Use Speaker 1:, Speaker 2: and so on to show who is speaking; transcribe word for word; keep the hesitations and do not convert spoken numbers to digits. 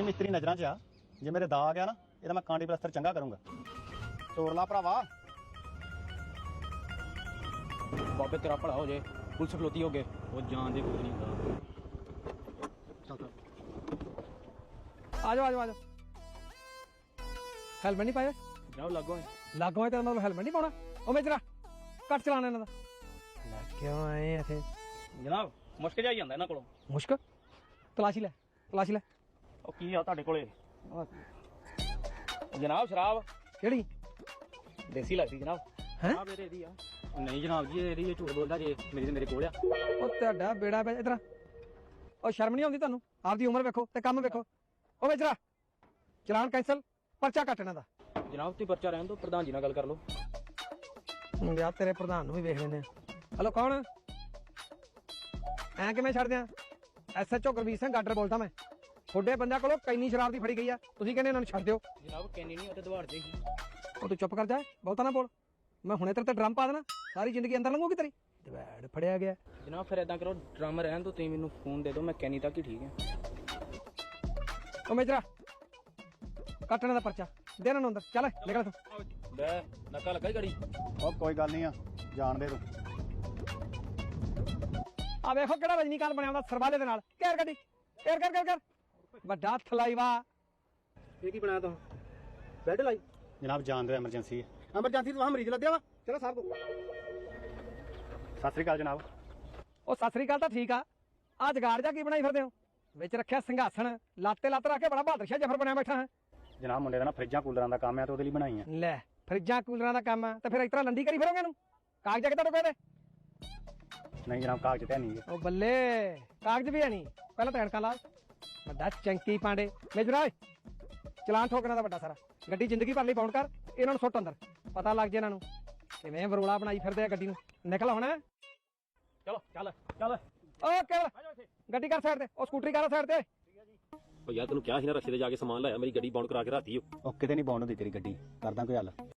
Speaker 1: ਮਿਸਤਰੀ ਨਜ਼ਰਾਂ 'ਚ ਆ। ਜੇ ਮੇਰੇ ਦਾ ਆ ਗਿਆ ਨਾ ਇਹਦਾ ਮੈਂ ਕਾਂਡੀ ਪਲਸਤਰ ਚੰਗਾ ਕਰੂੰਗਾ। ਤੋੜ ਲਾ ਭਰਾਵਾ।
Speaker 2: ਬਾਬੇ ਤੇਰਾ ਭਲਾ ਹੋ ਜੇ, ਪੁਲਿਸ ਖਲੋਤੀ ਹੋ ਗਏ। ਉਹ ਜਾਣ ਦੇ ਕੁਝ ਨਹੀਂ ਹੁੰਦਾ। ਚੱਲ ਚੱਲ
Speaker 3: ਆ ਜਾਓ ਆ ਜਾਓ ਆ ਜਾਓ। ਹੈਲਮਟ ਨਹੀਂ ਪਾਇਆ?
Speaker 2: ਜਾਓ ਲੱਗੋ
Speaker 3: ਲੱਗੋ ਹੈ ਤੇਰਾ ਮਤਲਬ ਹੈਲਮਟ ਨਹੀਂ ਪਾਉਣਾ? ਉਹ ਮੇਜਰਾ ਕੱਟ ਚਲਾਣਾ ਇਹਨਾਂ ਦਾ। ਲੈ ਕਿਉਂ ਆਏ ਇੱਥੇ
Speaker 2: ਜਨਾਬ? ਮੁਸ਼ਕ ਜਾਈ ਜਾਂਦਾ ਇਹਨਾਂ ਕੋਲੋਂ।
Speaker 3: ਮੁਸ਼ਕ? ਤਲਾਸ਼ੀ ਲੈ ਤਲਾਸ਼ੀ ਲੈ।
Speaker 2: ਉਹ ਕੀ ਆ ਤੁਹਾਡੇ ਕੋਲੇ? ਜਨਾਬ ਸ਼ਰਾਬ
Speaker 3: ਕਿਹੜੀ?
Speaker 2: ਦੇਸੀ ਲੱਗਦੀ ਜਨਾਬ।
Speaker 3: ਹੈਂ?
Speaker 2: ਆ ਮੇਰੇ ਦੀ ਆ। ਨਹੀਂ ਜਨਾਬ ਜੀ ਇਹਦੀ ਝੂਠ ਬੋਲਦਾ ਜੇ, ਮੇਰੀ ਤੇ ਮੇਰੇ ਕੋਲ ਆ।
Speaker 3: ਉਹ ਤੁਹਾਡਾ ਬੇੜਾ ਪੈ ਇਧਰ। ਉਹ ਸ਼ਰਮ ਨਹੀਂ ਆਉਂਦੀ ਤੁਹਾਨੂੰ? ਆਪਦੀ ਉਮਰ ਵੇਖੋ ਤੇ ਕੰਮ ਵੇਖੋ। ਉਹ ਮੇਜਰਾ ਚਲਾਨ ਕੈਂਸਲ, ਪਰਚਾ ਕੱਟ ਇਹਨਾਂ ਦਾ।
Speaker 2: ਜਨਾਬ ਤੁਸੀਂ ਪਰਚਾ ਰਹਿਣ ਦਿਓ, ਪ੍ਰਧਾਨ ਜੀ ਨਾਲ ਗੱਲ ਕਰ ਲਓ।
Speaker 3: ਮੁੰਡਿਆ ਤੇਰੇ ਪ੍ਰਧਾਨ ਨੂੰ ਵੀ ਵੇਖ ਲੈਂਦੇ ਆ। ਹਲੋ ਕੌਣ? ਐ ਕਿਵੇਂ ਛੱਡ ਦਿਆਂ? S H O Gurbir Singh ਗਾਡਰ ਬੋਲਦਾ ਮੈਂ। ਤੁਹਾਡੇ ਬੰਦਿਆਂ ਕੋਲੋਂ ਕੈਨੀ ਸ਼ਰਾਬ ਦੀ ਫੜੀ ਗਈ ਆ, ਤੁਸੀਂ ਕਹਿੰਦੇ ਇਹਨਾਂ ਨੂੰ ਛੱਡ ਦਿਓ।
Speaker 2: ਜਨਾਬ ਕੈਨੀ ਨਹੀਂ, ਉਹ ਤੇ ਦਵਾੜ ਦੇਗੀ।
Speaker 3: ਉਹ ਤੂੰ ਚੁੱਪ ਕਰ ਜਾ, ਬਹੁਤਾ ਨਾ ਬੋਲ। ਮੈਂ ਹੁਣੇ ਤੇਰੇ ਤੇ ਡਰਮ ਪਾ ਦੇਣਾ, ਸਾਰੀ ਜ਼ਿੰਦਗੀ ਅੰਦਰ ਲੰਘੂਗੀ ਤੇਰੀ। ਦਵੈੜ ਫੜਿਆ ਗਿਆ।
Speaker 2: ਜਨਾਬ ਫਿਰ ਏਦਾਂ ਕਰੋ, ਡਰਮ ਰਹਿਣ ਦਿਓ, ਤੁਸੀਂ ਮੈਨੂੰ ਫੋਨ ਦੇ ਦਿਓ, ਮੈਂ ਕੈਨੀ ਤੱਕ ਹੀ ਠੀਕ ਹੈ।
Speaker 3: ਉਹ ਮੇਜਰਾ ਕੱਟਣ ਦਾ ਪਰਚਾ ਦੇ ਇਹਨਾਂ ਨੂੰ ਅੰਦਰ। ਚੱਲ ਨਿਕਲ ਤੂੰ।
Speaker 2: ਲੈ ਨੱਕਾ ਲੱਗਾ ਹੀ ਗੜੀ।
Speaker 1: ਉਹ ਕੋਈ ਗੱਲ ਨਹੀਂ ਆ, ਜਾਣ ਦੇ ਤੂੰ।
Speaker 3: ਆ ਵੇਖੋ ਕਿਹੜਾ ਰਜਨੀਕਾਂਤ ਬਣਿਆ ਹੁੰਦਾ ਸਰਵਾਲੇ ਦੇ ਨਾਲ। ਘੇਰ ਗੱਡੀ, ਘੇਰ ਕਰ ਕਰ ਕਰ। ਵੱਡਾ ਥਲਾਈਵਾ।
Speaker 2: ਇਹ ਕੀ ਬਣਾਇਆ ਤੂੰ? ਬੈੱਡ ਲਾਈ?
Speaker 1: ਜਨਾਬ ਜਾਣ ਦਿਓ, ਐਮਰਜੈਂਸੀ ਹੈ।
Speaker 2: ਐਮਰਜੈਂਸੀ ਤੋਂ ਮਰੀਜ਼ ਲੱਦਿਆ ਵਾ। ਚਲੋ ਸਾਹਿਬ
Speaker 1: ਸਤਿ ਸ੍ਰੀ ਅਕਾਲ ਜਨਾਬ।
Speaker 3: ਉਹ ਸਤਿ ਸ੍ਰੀ ਅਕਾਲ ਤਾਂ ਠੀਕ ਆ, ਆ ਜਗਾੜ ਜਾ ਕੀ ਬਣਾਈ ਫਿਰਦੇ ਹੋ? ਵਿੱਚ ਰੱਖਿਆ ਸਿੰਘਾਸਣ, ਲਾਤੇ ਲੱਤ ਰੱਖ ਕੇ ਬੜਾ ਬਹਾਦਰ ਸ਼ਾਹ ਜਫਰ ਬਣਿਆ ਬੈਠਾ ਹੈ।
Speaker 1: ਜਨਾਬ ਮੁੰਡੇ ਦਾ ਨਾ ਫਰਿੱਜਾਂ ਕੂਲਰਾਂ ਦਾ ਕੰਮ ਹੈ ਤੇ ਉਹਦੇ ਲਈ ਬਣਾਈ ਆ।
Speaker 3: ਲੈ ਫਰਿੱਜਾਂ ਕੂਲਰਾਂ ਦਾ ਕੰਮ ਆ ਤੇ ਫਿਰ ਇਸ ਤਰ੍ਹਾਂ ਲੰਡੀ ਕਰੀ ਫਿਰੋਗੇ ਇਹਨੂੰ? ਕਾਗਜ਼ ਕਿੱਦਾਂ ਟੁਕੇ ਦੇ?
Speaker 1: ਨਹੀਂ ਜਨਾਬ ਕਾਗਜ਼ ਤੇ ਨਹੀਂ
Speaker 3: ਉਹ ਬੱਲੇ, ਕਾਗਜ਼ ਵੀ ਹੈ ਨਹੀਂ। ਪਹਿਲਾਂ ਤਾਂ ਐਨਕਾਂ ਲਾ। ਵੱਡਾ ਚੰਕੀ ਪਾਂਡੇ। ਮੇਜਰਾ ਓਏ ਚਲਾਨ ਠੋਕਣਾ ਦਾ ਵੱਡਾ ਸਾਰਾ। ਗੱਡੀ ਜ਼ਿੰਦਗੀ ਭਰ ਲਈ ਬਾਉਂਡ ਕਰ, ਇਹਨਾਂ ਨੂੰ ਸੁੱਟ ਅੰਦਰ। ਪਤਾ ਲੱਗ ਜੇ ਇਹਨਾਂ ਨੂੰ ਕਿਵੇਂ ਬਰੋਲਾ ਬਣਾਈ ਫਿਰਦੇ ਆ ਗੱਡੀ ਨੂੰ। ਨਿਕਲ ਹੁਣ।
Speaker 2: ਚਲੋ ਚੱਲ ਚੱਲ।
Speaker 3: ਓ ਕੇਵਲ ਗੱਡੀ ਕਰ ਸਾਈਡ ਤੇ, ਉਹ ਸਕੂਟਰੀ ਕਰ ਸਾਈਡ ਤੇ।
Speaker 4: ਉਹ ਯਾਰ ਤੈਨੂੰ ਕਿਹਾ ਸੀ ਨਾ ਰਸਤੇ ਤੇ ਜਾ ਕੇ ਸਮਾਨ ਲਾਇਆ, ਮੇਰੀ ਗੱਡੀ ਬਾਉਂਡ ਕਰਾ ਕੇ ਰਾਤੀ।
Speaker 1: ਉਹ ਕਿਤੇ ਨਹੀਂ ਬਾਉਂਡ ਹੁੰਦੀ ਤੇਰੀ ਗੱਡੀ, ਕਰਦਾ ਕੋਈ ਹੱਲ।